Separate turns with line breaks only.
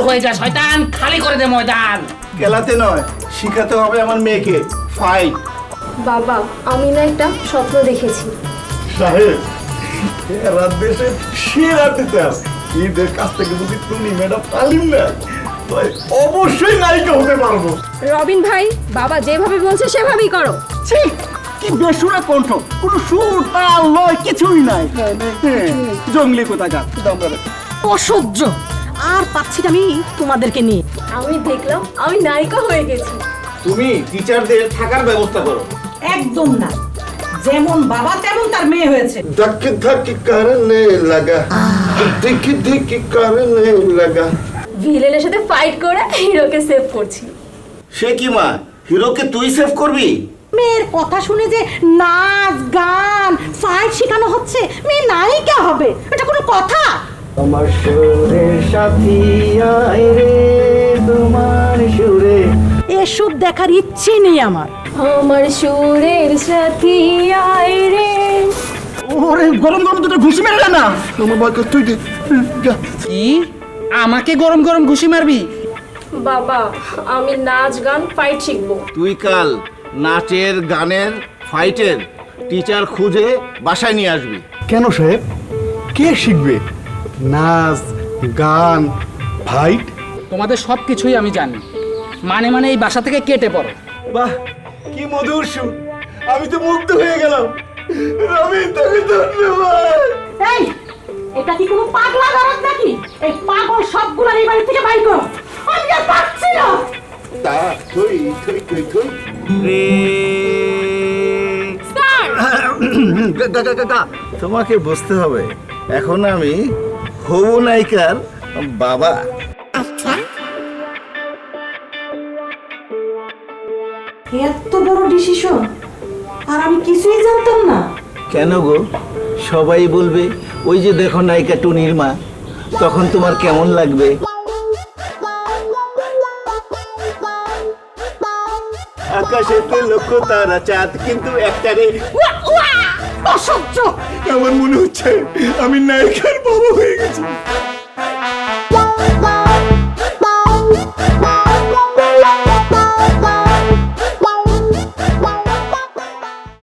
হয়ে যা শয়তান, খালি করে দে ময়দান।
খেলাতে নয়, শিখাতে হবে আমার মেয়েকে ফাইট।
বাবা, আমি না একটা স্বপ্ন দেখেছি।
সাহেব, এরা দেশের সেরা টিচার, এদের কাছ থেকে যদি তুমি ম্যাডাম তালিম নেয় তাহলে অবশ্যই নায়িকা হতে পারবো।
রবিন ভাই, বাবা যেভাবে বলছে সেভাবেই করো।
ঠিক, কি বেসুরা কণ্ঠ, কোনো সুর তাল লয় কিছুই নাই। জঙ্গলি কোথাকার।
অসহ্য, আর পাচ্ছি না আমি তোমাদেরকে নিয়ে।
আমি দেখলাম আমি নায়িকা হয়ে গেছি।
তুমি টিচারদের থাকার ব্যবস্থা করো।
একদম না, যেমন বাবা তেমন তার মেয়ে হয়েছে।
धक धक करने लगा धिक धिक करने लगा।
ভিলেনের সাথে ফাইট করে হিরোকে সেভ করছি।
সে কি মা, হিরোকে তুই সেভ করবি?
মেয়ের কথা শুনে যে নাচ গান ফাইট শেখানো হচ্ছে, মেয়ে নায়িকা হবে, এটা কোনো কথা?
আমার সুরে সাথী আয় রে, তোমার সুরে।
এসব দেখার ইচ্ছে নেই আমার।
আমার সুরের সাথী আয় রে।
ওরে গরম গরম দুটো ঘুষি মেরে না।
আমার বাবা তুই দে যা।
কি আমাকে গরম গরম ঘুষি মারবি?
বাবা, আমি নাচ গান ফাইট শিখবো।
তুই কাল নাচের গানের ফাইটের টিচার খুঁজে বাসায় নিয়ে আসবি।
কেন সাহেব, কে শিখবে নাচ গান ফাইট?
তোমাদের সব কিছুই আমি জানি, মানে মানে এই বাসা থেকে কেটে পড়ো।
বাহ, কি মধুর সুর, আমি তো মুগ্ধ হয়ে গেলাম। রবি, তোকে ধন্যবাদ।
এই, এটা কি কোনো পাগলা গারদ নাকি? এই পাগল সবগুলো এই বাড়ি থেকে বাইর করো, আমি আর পাচ্ছি না।
তা তুই তুই তুই তুই
তোমাকে বুঝতে হবে, এখন আমি হবু নায়িকার বাবা।
এত বড় ডিসিশন, আর আমি কিছুই জানতাম না।
কেন গো, সবাই বলবে ওই যে দেখো নায়িকা টুনির মা, তখন তোমার কেমন লাগবে? আকাশেতে লক্ষ তারা চাঁদ, কিন্তু একটারে
অসহ্য।
আমার মনে হচ্ছে আমি নায়িকার বাবা হয়ে গেছি।